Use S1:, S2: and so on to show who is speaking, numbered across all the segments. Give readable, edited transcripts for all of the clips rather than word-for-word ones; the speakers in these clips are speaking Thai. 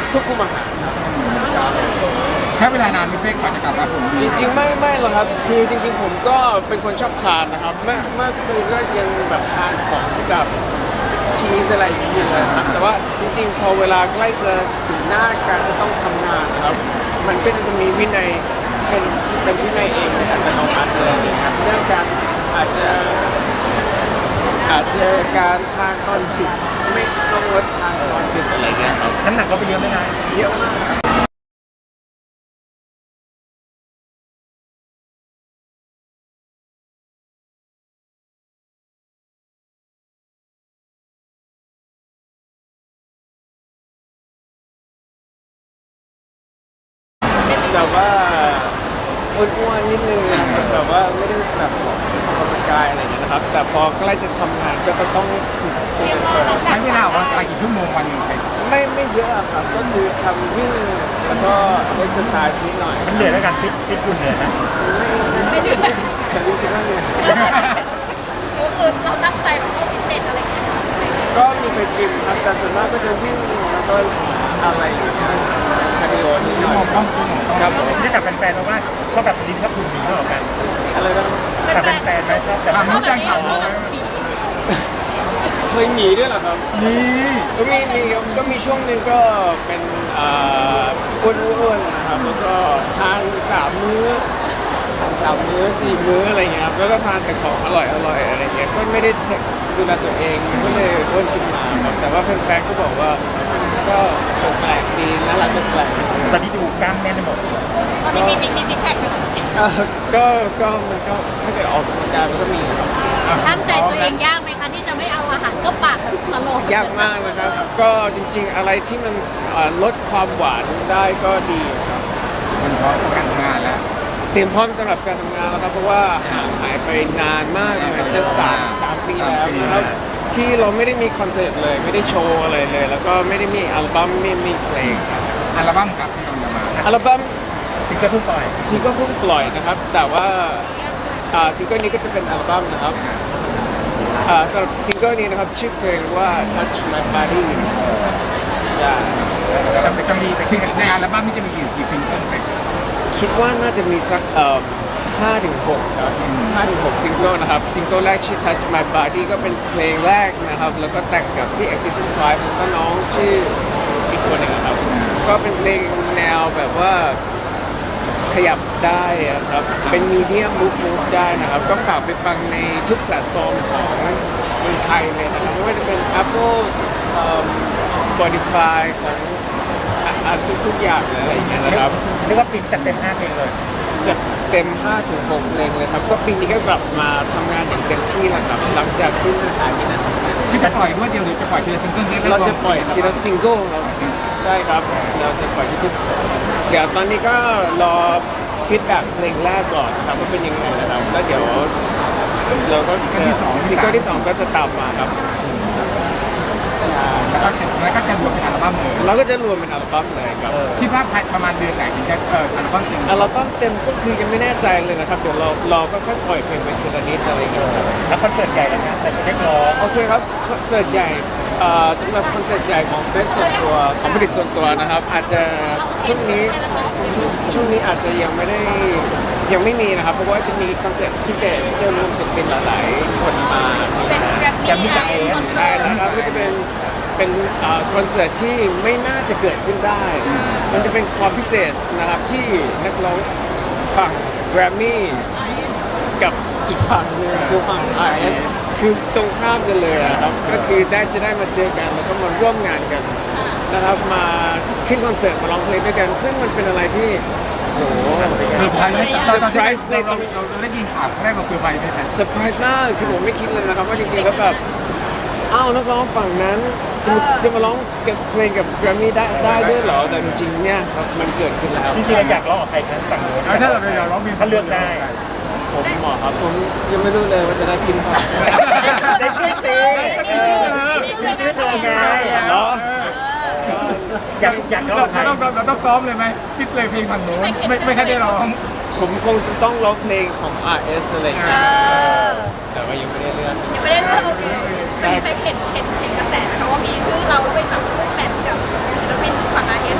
S1: ควบคุมอาหารครับ
S2: ใช้เวลานานไหมเป๊กกว่าจะกลับมาผม
S1: จริงๆไม่หรอกครับคือจริงๆผมก็เป็นคนชอบทานนะครับเมื่อคืนก็ยังแบบทานของที่แบบชีสอะไรอย่างเงี้ยอยู่เลยครับแต่ว่าจริงๆพอเวลาใกล้จะถึงหน้าการจะต้องทำงานนะครับมันก็จะมีวินัยเป็นวินัยเองในอัตโนมัติเลยนะครับเรื่องการอาจจะการทานตอนถึงไม่ต้องลดทานตอนดึกอะไรเงี้ยครับ
S3: น้ำหนักก็ไปเยอะไหมนาย
S1: เยอะมากแต่ว่าอ้วนๆนิดนึงนะครับแบบว่าไม่ได้แบบออกกำลังกายอะไรอย่างเงี้ยนะครับแต่พอใกล้จะทำงานก็จะต้องฝึกเฟิร์ม
S2: ใช้เวลาออกกำลังกายกี่ชั่วโมงวันหนึ่งเป๊ก
S1: ไม่เยอะครับก็คือทำวิ่งแล้วก็เอ็กซ์ไซส์นิดหน่อย
S3: มันเหนื่อยแล้วกันฟิตคุณเหนื่อยนะ
S1: ไม่เหนื่อยแต่จริงๆแล้วเนี่ย
S4: คือเราตั้งใจแบบว่าพิเศษอะไรอย่างเงี้ย
S1: ก็มีไปจิมครับแต่ส่วนมากก็จะวิ่งแล้วก็อะไรอย่างเงี้ยคาร์ดิโอนิดหน่อยครับผม
S3: ที่ได้กับแฟนๆเพราะว่าชอบแบบลิ้นชอบคุณหมีมากกว่ากัน
S1: อะไรนะ
S3: กับแฟนๆไหมชอบแบบ
S2: ทำรู้จักถามรู้ไหม
S1: เคยหนีด้วยเหรอครับ
S2: นี่
S1: ก็มีช่วงหนึ่งก็เป็นอ้วนๆนะครับแล้วก็ทาน3 มื้อ4 มื้ออะไรเงี้ยครับแล้วก็ทานแต่ของอร่อยอะไรเงี้ยก็ไม่ได้ดูแลตัวเองก็เลยอ้วนขึ้นมาครับแต่ว่าแฟนๆก็บอกว่าก็แปลกดีน่ารักแปลก
S3: ตอนนี้ดูกล้ามแน่นไปหมด
S4: ตอนนี้มีซิกแพคไหม
S1: ก็มันก็ถ้าเกิดออกกำลังกายมันก็มีครับ
S4: ห้ามใจตัวเองยากไหมคะที่จะไม่เอาอาหารเข้าปากตลอด
S1: ยากมากนะครับก็จริงๆอะไรที่มันลดความหวานได้ก็ดีครับ
S2: มันพร้อมกันงานแล้ว
S1: เตรียมพร้อมสำหรับการทำงานแล้วครับเพราะว่าห่างหายไปนานมากจะ3 ปีแล้วนะครับที่เราไม่ได้มีคอนเสิร์ตเลยไม่ได้โชว์อะไรเลยแล้วก็ไม่ได้มีอัลบั้มไม่มีเพลงครับ
S2: อัลบั้มครับที่เราจะมา
S1: อัลบั้ม
S3: ซิงเกิลเพิ่งปล่อย
S1: นะครับแต่ว่าซิงเกิลนี้ก็จะเป็นอัลบั้มนะครับสำหรับซิงเกิลนี้นะครับชื่อเพลงว่า Touch My Body
S2: จะมีไปขึ้นในอัลบั้มนี้จะมีกี่ซิงเกิลไป
S1: คิดว่าน่าจะมีสัก5-6ครับ5-6ซิงเกิลนะครับซิงเกิลแรกชื่อ Touch My Body ก็เป็นเพลงแรกนะครับแล้วก็แต่งกับพี่ Existence 5แล้วก็น้องชื่ออีกคนหนึ่งครับก็เป็นเพลงแนวแบบว่าขยับได้ครับเป็นมีเดียม move ได้นะครับก็ฝากไปฟังในทุกแพลตฟอร์มของเมืองไทยเลยนะครับไม่ว่าจะเป็น Apple Spotify ของทุกอย่างเลยอะไรอย่างเงี้ยนะครับ
S3: เรียกว่าปีจัดเต็ม5 เพลงเลย
S1: จะเต็ม5-6 เพลงเลยครับก็ปีนี้ก็กลับมาทำงานอย่างเต็มที่แล้วครับหลังจากที่มันหายไปนาน
S2: ที่จะปล่อยด้วยเดียวหรือจะปล่อยทีละซิงเกิล
S1: เราจะปล่อยทีละซิงเกิลครับใช่ครับเราจะปล่อยที่เดี๋ยวตอนนี้ก็รอฟีดแบ็กเพลงแรกก่อนครับว่าเป็นยังไงนะครับแล้วเดี๋ยวเราก็จะซิงเกิลที่2ก็จะตามมาครับ
S2: แล้วก็จะรวมเป็นอัลบั้มเลย
S1: เราก็จะรวมเป็นอัลบั้มเลยครับ
S2: คิดว่าประมาณเดือนไหนถึงจะอัลบั้มเต็ม
S1: ก็คือยังไม่แน่ใจเลยนะครับเดี๋ยวเราก็ค่อยปล่อยเพลงเป็นทีละนิดอะไรอย่างเงี้ยครับ
S3: แล้วคอนเสิร์ตใหญ่แล้วนะแต่จะเรียกร้อง
S1: โอเคครับคอนเสิร์ตใหญ่สำหรับคอนเสิร์ตใหญ่ของเฟสส่วนตัวของผลิตส่วนตัวนะครับอาจจะช่วงนี้อาจจะยังไม่มีนะครับเพราะว่าจะมีคอนเสิร์ตพิเศษที่จะรวมศิลปินหลายๆคนมา
S3: ยังมีจาก
S1: ใช่แล้วครับก็จะเป็นคอนเสิร์ตที่ไม่น่าจะเกิดขึ้นได้ มันจะเป็นความพิเศษนะครับที่นักร้องฝั่งแกรมมี่กับอีกฝั่งนึงคือฝั่ง RS คือตรงข้ามกันเลยครับก็คือจะได้มาเจอกันแล้วก็มาร่วมงานกันนะครับมาขึ้นคอนเสิร์ตมาร้องเพลงด้วยกันซึ่งมันเป็นอะไรที่โอ้โห
S2: เซอร์ไพรส์ในตอนเราได้ยินข่าวแรกเราเซอร์ไพรส์ไหม
S1: เซอร์ไพรส์มากคือผมไม่คิดเลยนะครับว่าจริงๆแล้วแบบอ้าวนักร้องฝั่งนั้นจะมาร้องกับเพลงกับแกรมมี่ได้ด้วยเหรอแต่จริงๆเนี่ยครับมันเกิดขึ้นแล้ว
S3: จริงๆอยากร้องกับใครครับฝั่งโน้น
S2: ถ้าเราอยากร้อง
S3: ถ้าเลือกได้
S1: ผมเหมาะครับผมยังไม่รู้เลยว่าจะได้ขึ้นเปล่า
S3: ได้ขึ้นสิมีชื่อเธอไง
S1: เนาะ
S3: อยากร้อง
S2: เราต้องซ้อมเลยไหมคิดเลยเพลงฝั่งโน้นไม่ค่อยได้ร้อง
S1: ผมคงจะต้องร้องเพลงของ RS อะไรอย่างเงี้ยแต่ว่ายังไม่ได้เลือก
S4: โอเคใช่เห็นกระแสนะคะว่ามีชื่อเราไปจับคู่แมทกับศิลปินฝั่ง RS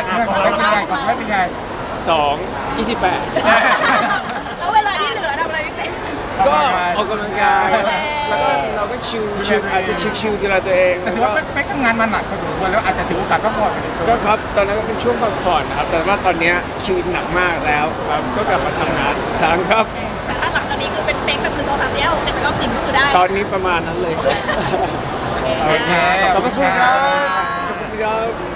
S2: เป็นไง
S1: 2 28
S4: แล้วเวลาที่เหลือทำอะไรพี่เป๊ก
S1: ก็ออกกำลังกายแล้วก็เราก็ชิลอาจจะชิลๆดูแลตัวเอง
S2: แต่ถือว่าเป๊กทำงานมาหนักพอสมควรแล้วอาจจะถือโอกาสพักผ่อน
S1: ก็ครับตอนนั้นก็เป็นช่วงพักผ่อนนะครับแต่ว่าตอนเนี้ยคิวหนักมากแล้วครับก็กลับมาทำงานอีกครั้งครับ
S4: แต่ถ้าหลังจากนี้คือเป็นเป๊กแบบคือตัวสามแยก6 7 8 9 10ก็คือได้
S1: ตอนนี้ประมาณนั้นเลยครับ
S2: โอเค
S1: ขอบคุณครับขอบคุณครับ